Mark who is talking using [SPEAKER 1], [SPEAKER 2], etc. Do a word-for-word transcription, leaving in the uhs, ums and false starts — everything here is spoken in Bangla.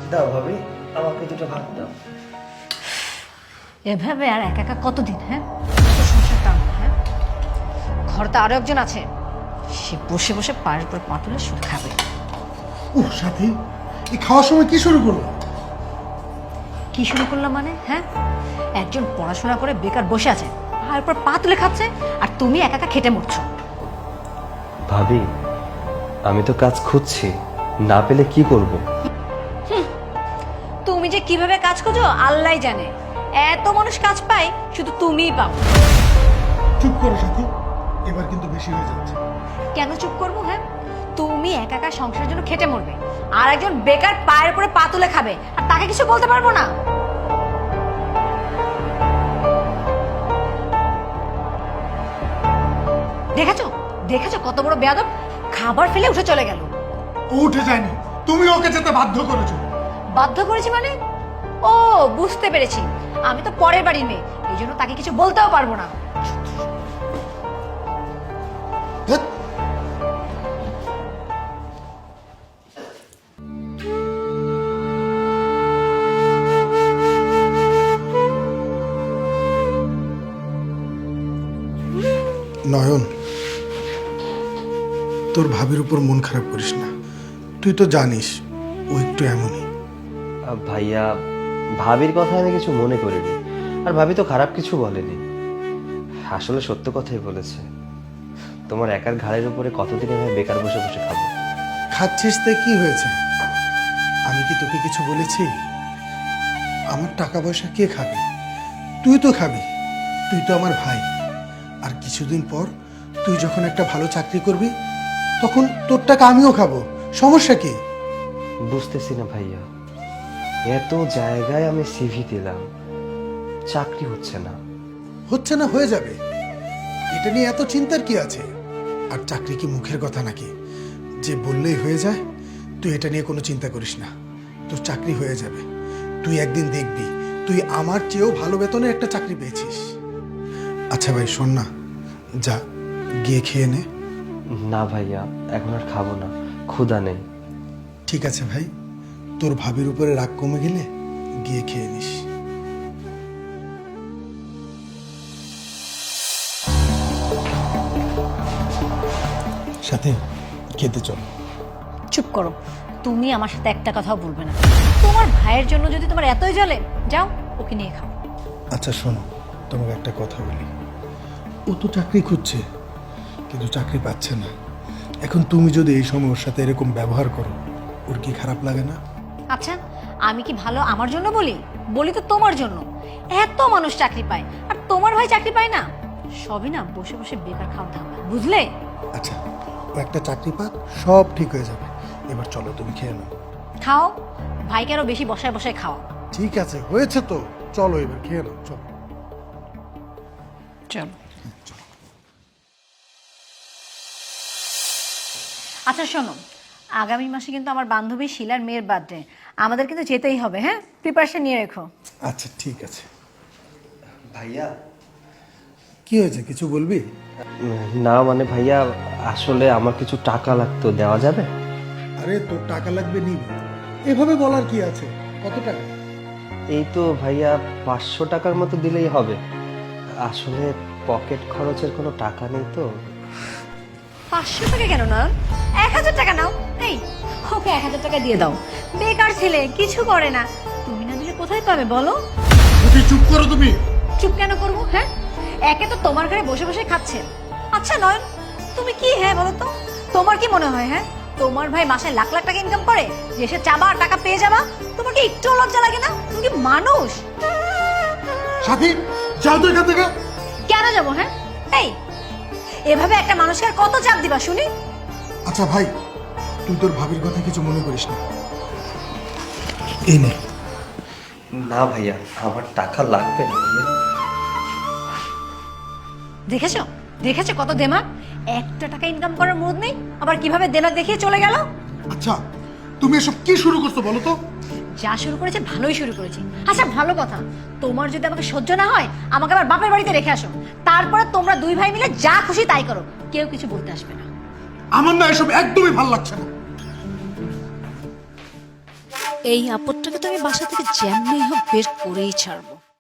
[SPEAKER 1] দাও ভাবি, আমাকে দুটো ভাত দাও।
[SPEAKER 2] এভাবে আর একা একা কতদিন? হ্যাঁ, সংসার টানবো? হ্যাঁ, ঘরে আরো একজন আছে, সে বসে বসে পায়ের উপর পা তুলে শুধু খাবে।
[SPEAKER 3] ও সাথী, এই খাওয়ার সময় কি শুরু করলো?
[SPEAKER 2] কি শুরু করলাম মানে? হ্যাঁ, একজন পড়াশোনা করে বেকার বসে আছে, পায়ের উপর পা তুলে খাচ্ছে, আর তুমি একা একা খেটে মরছো।
[SPEAKER 1] ভাবি, আমি তো কাজ খুঁজছি, না পেলে কি করব?
[SPEAKER 2] তুমি যে কিভাবে কাজ খোঁজো আল্লাহই জানে, এত মানুষ কাজ পায়, শুধু তুমিই পাও।
[SPEAKER 3] চুপ করো সাথী, এবার কিন্তু বেশি হয়ে যাচ্ছে।
[SPEAKER 2] কেন চুপ করবো? হ্যাঁ, তুমি একা একা সংসারের জন্য খেটে মরবে, আর একজন বেকার পায়ের উপরে পা তুলে খাবে, আর তাকে কিছু বলতে পারবো না? দেখেছো দেখেছো কত বড় বেয়াদব, খাবার ফেলে উঠে চলে গেল।
[SPEAKER 3] ও উঠে যায়নি, তুমি ওকে যেতে বাধ্য করেছো।
[SPEAKER 2] বাধ্য করেছি মানে? ও, বুঝতে পেরেছি, আমি তো পরের বাড়ির মেয়ে, এই জন্য তাকে কিছু বলতেও পারবো না।
[SPEAKER 3] ধ্যাৎ, নয়ন, তোর ভাবির উপর মন খারাপ করিস না। তুই তো জানিস ও একটু এমনই।
[SPEAKER 1] আহ, ভাইয়া, ভাবির কথা আমি কিছু মনে করিনি, আর ভাবি তো খারাপ কিছু বলেনি, আসলে সত্য কথাই বলেছে। তোমার একার ঘাড়ের উপরে কতদিন এভাবে বেকার বসে বসে খাবো?
[SPEAKER 3] খাচ্ছিস তাই কি হয়েছে? আমি কি তোকে কিছু বলেছি? আমার টাকা পয়সা কে খাবে? তুই তো খাবি, তুই তো আমার ভাই। আর কিছুদিন পর তুই যখন একটা ভালো চাকরি করবি, তখন তোর টাকা আমিও খাবো, সমস্যা কি?
[SPEAKER 1] বুঝতেছি না ভাইয়া, এত জায়গায় আমি সিভি দিলাম, চাকরি হচ্ছে না।
[SPEAKER 3] হচ্ছে না, হয়ে যাবে, এটা নিয়ে এত চিন্তার কি আছে? আর চাকরি কি মুখের কথা নাকি যে বললেই হয়ে যায়? তুই এটা নিয়ে কোনো চিন্তা করিস না, তোর চাকরি হয়ে যাবে। তুই একদিন দেখবি তুই আমার চেয়েও ভালো বেতনের একটা চাকরি পেয়েছিস। আচ্ছা ভাই শোন না, যা গিয়ে খেয়ে নে।
[SPEAKER 1] না ভাইয়া, এখন আর খাবো না, ক্ষুধা নেই।
[SPEAKER 3] ঠিক আছে ভাই, তোর ভাবির উপরে রাগ কমে গেলে গিয়ে খেয়ে নিস। সাথে খেতে চল।
[SPEAKER 2] চুপ করো, তুমি আমার সাথে একটা কথাও বলবে না। তোমার ভাইয়ের জন্য যদি তোমার এতই জ্বলে, যাও ওকে নিয়ে খাও।
[SPEAKER 3] আচ্ছা শোনো, তোমাকে একটা কথা বলি। ও তো চাকরি খুঁজছে, কিন্তু চাকরি পাচ্ছে না। এখন তুমি যদি এই সময় ওর সাথে এরকম ব্যবহার করো, ওর কি খারাপ লাগে না?
[SPEAKER 2] আচ্ছা, আমি কি ভালো আমার জন্য বলি? বলি তো তোমার জন্য। এত মানুষ চাকরি পায়, আর তোমার ভাই চাকরি পায় না। সবই না বসে বসে বেকার খাওয়া ধান্দা, বুঝলে?
[SPEAKER 3] আচ্ছা, ও একটা চাকরি পাক, সব ঠিক হয়ে যাবে। এবার চলো তুমি খেয়ে নাও।
[SPEAKER 2] খাও, ভাইকে আরো বেশি বসায় বসায় খাও।
[SPEAKER 3] ঠিক আছে, হয়েছে তো, চলো এবার খেয়ে নাও, চলো।
[SPEAKER 2] চল। আচ্ছা শোনো, আগামী মাসে কিন্তু আমার বান্ধবী শিলার মেয়ের বার্থডে, আমাদের কিন্তু যেতেই হবে। হ্যাঁ, প্রিপারেশন নিয়ে রেখো।
[SPEAKER 3] আচ্ছা ঠিক আছে।
[SPEAKER 1] ভাইয়া,
[SPEAKER 3] কি হয়েছে, কিছু বলবি?
[SPEAKER 1] না মানে ভাইয়া, আসলে আমার কিছু টাকা লাগতো, দেওয়া যাবে?
[SPEAKER 3] আরে তোর টাকা লাগবে নিবি, এভাবে বলার কি আছে? কত টাকা?
[SPEAKER 1] এই তো ভাইয়া, পাঁচশো টাকার মতো দিলেই হবে। আসলে পকেট খরচের কোনো টাকা নেই তো।
[SPEAKER 2] পাঁচশো টাকা কেন না, এক হাজার টাকা নাও। এই, ওকে এক হাজার টাকা দিয়ে দাও। বেকার ছেলে, কিছু করে না, তুমি না দিলে কোথায় পাবে বলো?
[SPEAKER 3] তুমি চুপ করো তুমি।
[SPEAKER 2] চুপ কেন করবো? হ্যাঁ, একে তো তোমার ঘরে বসে বসে খাচ্ছেন। আচ্ছা নয়ন, তুমি কি হ্যাঁ বলো তো, তোমার কি মনে হয় হ্যাঁ তোমার ভাই মাসে লাখ লাখ টাকা ইনকাম করে, যে সে চাবা আর টাকা পেয়ে যাবা? তোমার কি একটু লজ্জা লাগে না? তুমি কি মানুষ?
[SPEAKER 3] সাথী, যাও তো এখান থেকে।
[SPEAKER 2] কেন যাবো? হ্যাঁ, এই এভাবে একটা মানুষকে আর কত চাপ দিবা শুনি?
[SPEAKER 3] আচ্ছা ভাই, তুই তোর ভাবির কথা কিছু মনে করিস না, এই নে।
[SPEAKER 1] না ভাইয়া, আমার টাকা লাগবে না ভাইয়া।
[SPEAKER 2] দেখেছো দেখেছো কত দেমাগ, একটা টাকা ইনকাম করার মুড নেই, আবার কিভাবে দেনা দেখিয়ে চলে গেল।
[SPEAKER 3] আচ্ছা, তুমি এসব কি শুরু করছো বলো তো?
[SPEAKER 2] যা শুরু করেছে ভালোই শুরু করেছে। আচ্ছা ভালো কথা, তোমার যদি আমাকে সহ্য না হয়, আমাকে আবার বাপের বাড়িতে রেখে আসো, তারপরে তোমরা দুই ভাই মিলে যা খুশি তাই করো, কেউ কিছু বলতে আসবে না।
[SPEAKER 3] আমার না এসব একদমই ভালো লাগছে না।
[SPEAKER 2] এই আপদটাকে তো আমি বাসা থেকে যেমনি হোক বের করেই ছাড়বো।